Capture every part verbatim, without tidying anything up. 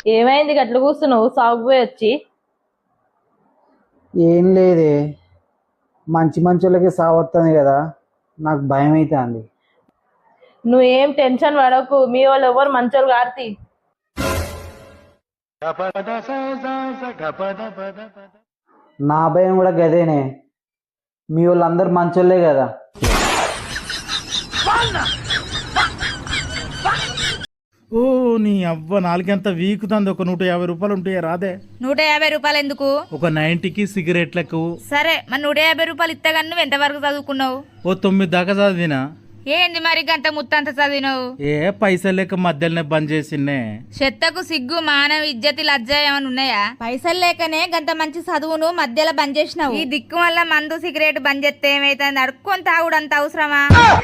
ఏమైంది గట్ల కూస్తున్నావు సాగుపోయి వచ్చి? ఏం లేదే, మంచి మంచోళ్ళకి సావొస్తుంది కదా, నాకు భయం అవుతుంది. నువ్వేం టెన్షన్ పడకు, మీ వాళ్ళు ఎవరు మంచోళ్ళు కార్తీ. నా భయం కూడా గదేనే, మీ వాళ్ళందరూ మంచోళ్ళే కదా. ఓ నీ అవ్వ నాలుగంత వీకుతుంది. ఒక నూట యాభై రూపాయలు ఉంటాయా రాదే? నూట యాభై రూపాయలు ఎందుకు? ఒక నైన్టీకి సిగరెట్లకు. సరే మరి నూట యాభై రూపాయలు ఇత్తగాని నువ్వు ఎంతవరకు చదువుకున్నావు? ఓ తొమ్మిది దాకా చదివినా. ఏంది మరి గంట ముత్తంత చదివినావు? ఏ పైసలు లేక మధ్యలోనే బంద్ చేసిండే. చెత్తకు సిగ్గు మానవ ఇజ్జతి లజ్జ ఏమైనా ఉన్నాయా? పైసలు లేకనే గంత మంచి చదువును మధ్యలో బంద్ చేసినావు. ఈ దిక్కు వల్ల మందు సిగరెట్ బంద్ చేస్తే ఏమైతుంది? అడుక్కొని తాగుడు అంత అవసరమా?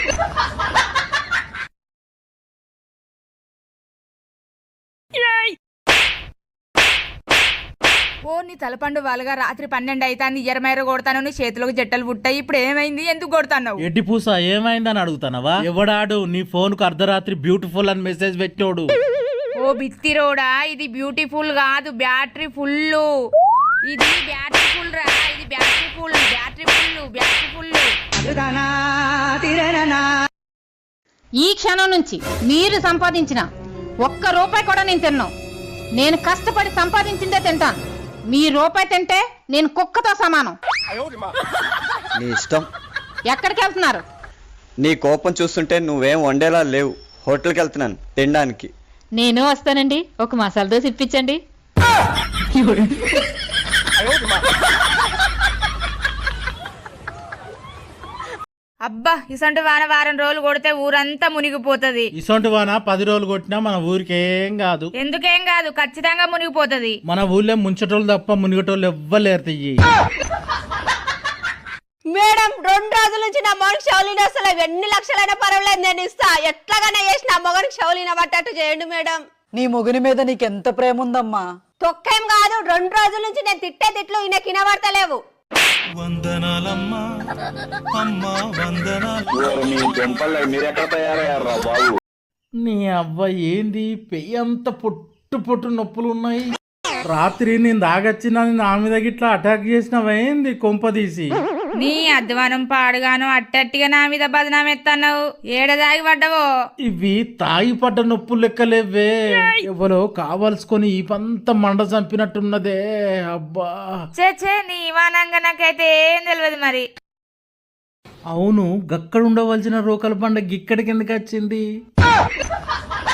ఓ నీ తలపండు వాళ్ళగా రాత్రి పన్నెండు అయితాంది, ఎరమైర కొడతాను, నీ చేతులకు జట్టలు పుట్టాయి. ఇప్పుడు ఏమైంది? ఎందుకు కొడతాను? ఎడ్డి పూస ఏమైందని అడుగుతానవా? ఎవడాడు నీ ఫోన్ కు అర్ధరాత్రి బ్యూటిఫుల్ అని మెసేజ్ పెట్టాడు? ఓ బిత్తిరోడా, ఇది బ్యూటిఫుల్ కాదు, బ్యాటరీ ఫుల్. ఇది బ్యాటరీ ఫుల్ రా, ఇది battery full, battery full, battery full. ఈ క్షణం నుంచి మీరు సంపాదించిన ఒక్క రూపాయి కూడా నేను తిన్నాను. నేను కష్టపడి సంపాదించిందే తింటాను. మీ రూపాయి తింటే నేను కుక్కతో సమానం. నీ ఇష్టం. ఎక్కడికి వెళ్తున్నారు? నీ కోపం చూస్తుంటే నువ్వేం వండేలా లేవు. హోటల్కి వెళ్తున్నాను తినడానికి. నేను వస్తానండి, ఒక మసాలా దోశ ఇప్పించండి. అబ్బా, ఇసంటి వాన వారం రోజులు కొడితే ఊరంతా మునిగిపోతది. ఇసొంటి వాన పది రోజులు కొట్టినా మన ఊరికి ఏం కాదు. ఎందుకేం కాదు, ఖచ్చితంగా మునిగిపోతది. మన ఊళ్ళో ముంచటోళ్ళు తప్ప మునిగటోళ్ళు ఎవ్వలేరు. తియ్యి మేడం, రెండు రోజుల నుంచి నా మొగనికి షౌలిన అసలు ఎన్ని లక్షలైనా పర్వాలేదు, నేను ఇస్తా. ఎట్లాగైనా చేసి నా మొగనికి షౌలిన పట్టట్టు చేయండి మేడం. నీ మొగుని మీద నీకెంత ప్రేమ ఉందమ్మా? తొక్కేం కాదు, రెండు రోజుల నుంచి నేను తిట్టే తిట్లు ఈయన కినబడతలేవు. నీ అవ్వ ఏంది పెయ్యి అంత పొట్టు పొట్టు నొప్పులు ఉన్నాయి. రాత్రి నేను దాగచ్చినా నా మీద గిట్లా అటాక్ చేసినవేంది కొంపదీసి? నీ అధ్వానం పాడుగాను అట్టట్టిగా నా మీద బదనాం ఎత్తన్నావు. ఏడదాగి పడ్డవో? ఇవి తాగి పడ్డ నొప్పులు లెక్కలేవే. ఎవరో కావాల్సుకొని ఈ పంత మండ చంపినట్టున్నదే. అబ్బా చే చే, నీ ఇవానంగా నాకైతే ఏం తెలియదు మరి. అవును, గక్కడ ఉండవలసిన రోకల పండ గిక్కడికి ఎందుకు వచ్చింది?